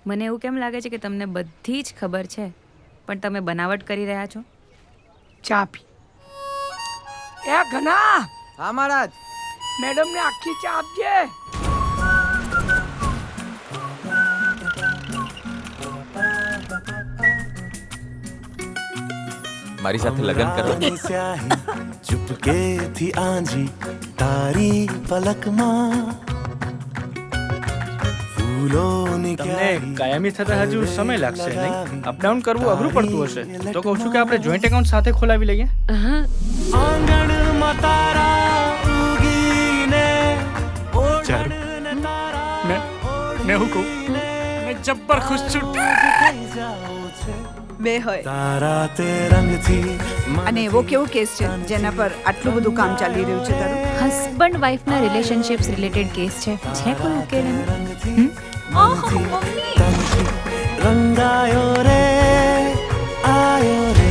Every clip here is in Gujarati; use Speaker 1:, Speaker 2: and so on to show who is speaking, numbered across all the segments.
Speaker 1: મને એવું કેમ લાગે છે કે તમને બધી જ ખબર છે પણ તમે બનાવટ કરી રહ્યા છો?
Speaker 2: ચા પી. એ ઘના,
Speaker 3: હા મહારાજ.
Speaker 2: મેડમ ને આખી ચા આપજે.
Speaker 4: મારી સાથે લગ્ન કરવા
Speaker 5: ચુપકે થી આંજી તારી પલકમાં ફૂલોની
Speaker 6: તમને કાયમી થતા હજુ સમય લાગશે નહીં? અપડાઉન કરવું અઘરું પડતું હશે તો કહું છું કે આપણે જોઈન્ટ એકાઉન્ટ સાથે ખોલાવી લઈએ.
Speaker 5: આંગણમાં તારા ઉગીને
Speaker 6: મેં હું કહું મેં જબ્બર ખુશ છું.
Speaker 7: બે હોય
Speaker 5: તારા તે રંગથી
Speaker 7: અને એવો કેવો કેસ છે જેના પર આટલું બધું કામ ચાલી રહ્યું છે તારું?
Speaker 1: હસબન્ડ વાઈફના રિલેશનશિપ્સ રિલેટેડ કેસ છે કોઈ ઉકેલ એનો?
Speaker 5: રંગાયો રે આયો રે.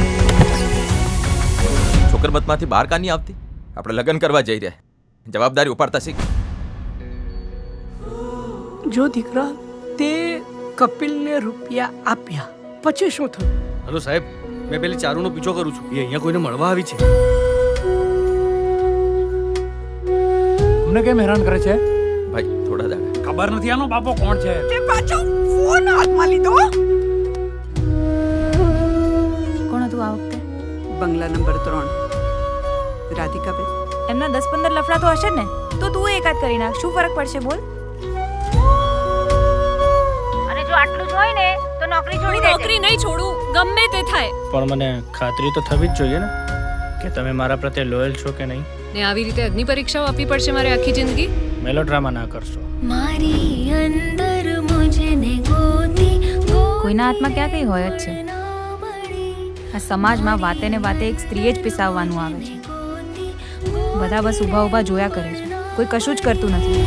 Speaker 4: છોકરબતમાંથી બહાર કાની આવતી? આપણે લગ્ન કરવા જઈ રહ્યા, જવાબદારી ઉપાડતા શીખ.
Speaker 2: જો દીકરા, તે કપિલને રૂપિયા આપ્યા પછી શું થયું?
Speaker 6: હલો સાહેબ, મેં પેલી ચારુનો પીછો કરું છું. એ અહીંયા કોઈને મળવા આવી છે.
Speaker 8: અમને કેમ હેરાન કરે છે?
Speaker 4: ભાઈ થોડા દાડા
Speaker 8: ખબર નથી આનો બાપો કોણ છે.
Speaker 7: તે પાછો ફોન હાથમાં લીધો.
Speaker 1: કોણ હતું આ વખતે?
Speaker 7: બંગલા નંબર 3 રાધિકાબેન.
Speaker 1: એમના 10-15 લફડા તો હશે ને, તો તું એકાદ કરી નાખ. શું ફરક પડશે બોલ? અને જો આટલું જ હોય ને તો નોકરી છોડી દે.
Speaker 9: નોકરી નહીં છોડું, ગમે તે થાય.
Speaker 6: પણ મને ખાતરી તો થવી જ જોઈએ ને કે તમે મારા પ્રત્યે લોયલ છો કે નહીં.
Speaker 9: ને આવી રીતે અગ્નિ પરીક્ષાઓ આપવી પડશે મારે આખી જિંદગી?
Speaker 6: મેલોડ્રામા ના કરશો.
Speaker 9: મારી અંદર મુજને ગોતી
Speaker 1: કોઈના હાથમાં ક્યાં કઈ હોય જ છે. આ સમાજમાં વાતે ને વાતે એક સ્ત્રીએ જ પિસાવવાનું આવે છે. બધા બસ ઊભા ઊભા જોયા કરે છે, કોઈ કશું જ કરતું નથી.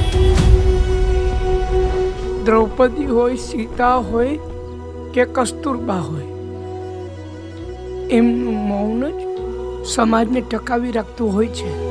Speaker 2: દ્રૌપદી હોય, સીતા હોય કે કસ્તુરબા હોય, એમનું મૌન જ સમાજને ટકાવી રાખતું હોય છે.